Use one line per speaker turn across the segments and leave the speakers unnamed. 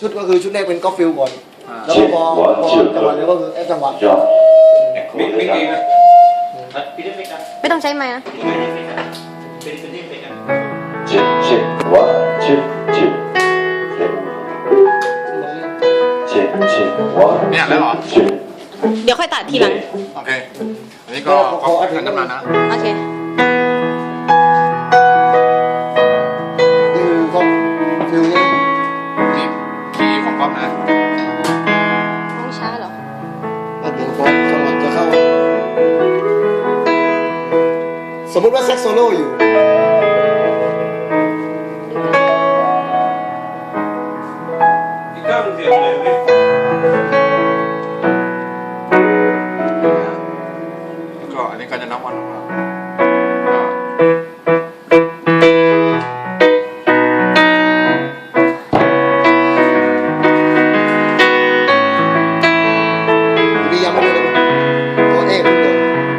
ชุดก็คือชุดแรกเป็นก็ฟิลก่อนแล้วก็พอจังหวะเดียวก็คือแอปจังหวะ
มิกดีนะ
ไม่ต้องใช้ไม้นะ
เนี่ยแล้วเหรอ
เดี๋ยวค่อยตัดทีหลัง
โอเคอันนี้ก็อันน้ำมันนะ
โอเค
คือก็ฟิลนี้
นี่คีย์ของก๊อฟนะ
ต้องช้าเหรอ
แล้วเดี๋ยวพอจังหวะจะเข้าสมมติว่าแซ็กโซโล่อยู่
ก็อันนี้ก็จะนับวันของเรา
พี่ย้ำมาด้วยนะตัวเอกตัว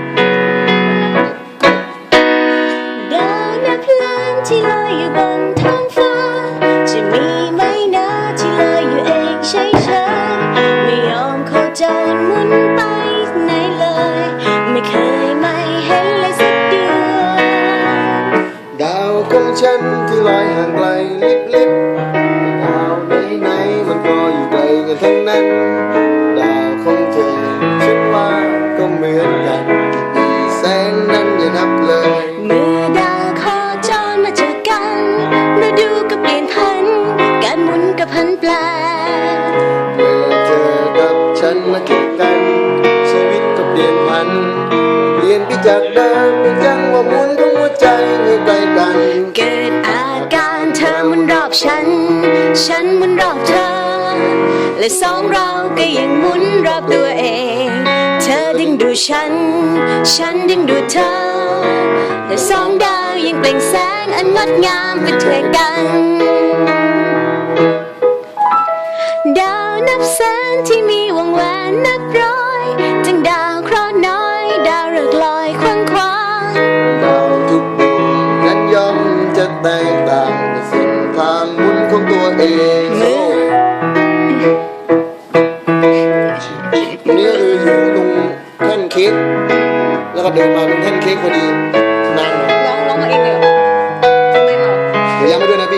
ดาวนับล้านที่ลอยอยู่บนท้องฟ้าจะมีไหมนะที่ลอยอยู่เองเฉยๆไม่ยอมโคจรหมุนไปไหนเลยไม่เคยไม่เห็นเลยสักดวง
ดาวของฉันที่ลอยห่างไกลลิบดาวไหนมันก็อยู่ไกลกันทั้งนั้นดาวของเธอฉันว่าก็เหมือนกันอีแสงนั้นอย่านับเลย
เมื่อดาวโคจรมาเจอกันฤดูก็เปลี่ยนพันการหมุนก็พันแปล
เมื่อเธอกับฉันมาเจอกันชีวิตก็เปลี่ยนพันเปลี่ยนไปจากเดิมเป็นจังหวะหมุนของหัวใจให้ใกล้กัน
เกิดอาการเธอหมุนรอบฉันฉันหมุนรอบเธอและสองเราก็ยังหมุนรอบตัวเองเธอดึงดูฉันฉันดึงดูเธอและสองดาวยังเปล่งแสงอันงดงามไปด้วยกันดาวนับแสนที่มีวงแหวนนับร้อยจึงดาวเคราะห์น้อยดาวฤกษ์ลอยควางคว้าง
ดาวทุกดวงนั้นย่อมจะแตกต่างในเส้นทางหมุนของตัวเองนี่คืออยู่ตรงแท่นเค้กแล้วก็เดินมาตรงแท่นเค้กพอดีนานหน่อย
ร้องมาเองเลยเหรอทำไมมา
เดี๋ยวย้ำไปด้วยนะพี่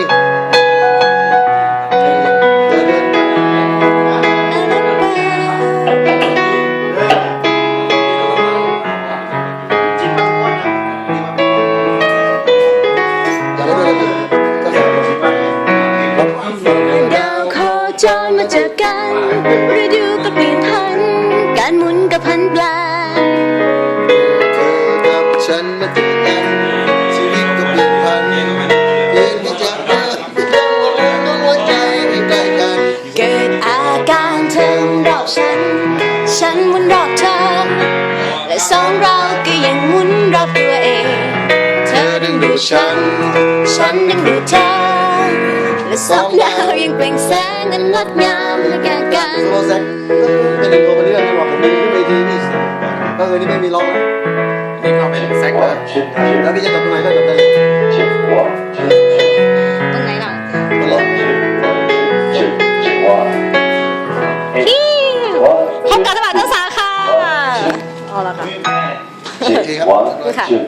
ดาวโคจรมาเจอกันฤดูก็เปลี่ยนพันการหมุนก็พันแปล
เธอกับฉันมาเจอกันชีวิตก็เปลี่ยนพันเปลี่ยนที่จากเดิมเป็นจังหวะหมุนของหัวใจให้ใกล้กัน
เกิดอาการเธอหมุนรอบฉันฉันหมุนรอบเธอและสองเราก็ยังหมุนรอบตัวเองเธอดึงดูฉันฉันดึงดูเธอและสองดาวยังเปล่งแสงอันงดงามและแก่กัน
โซโล่แซกเป็นตัวไปเรื่อยจังหวะผมไม่ได้ทีนี่ก็คือนี่ไม่มีร้องนะ
นี่เขาเป็นแซกเลย
แล้วพี่จะจบตรงไหนก็จบได้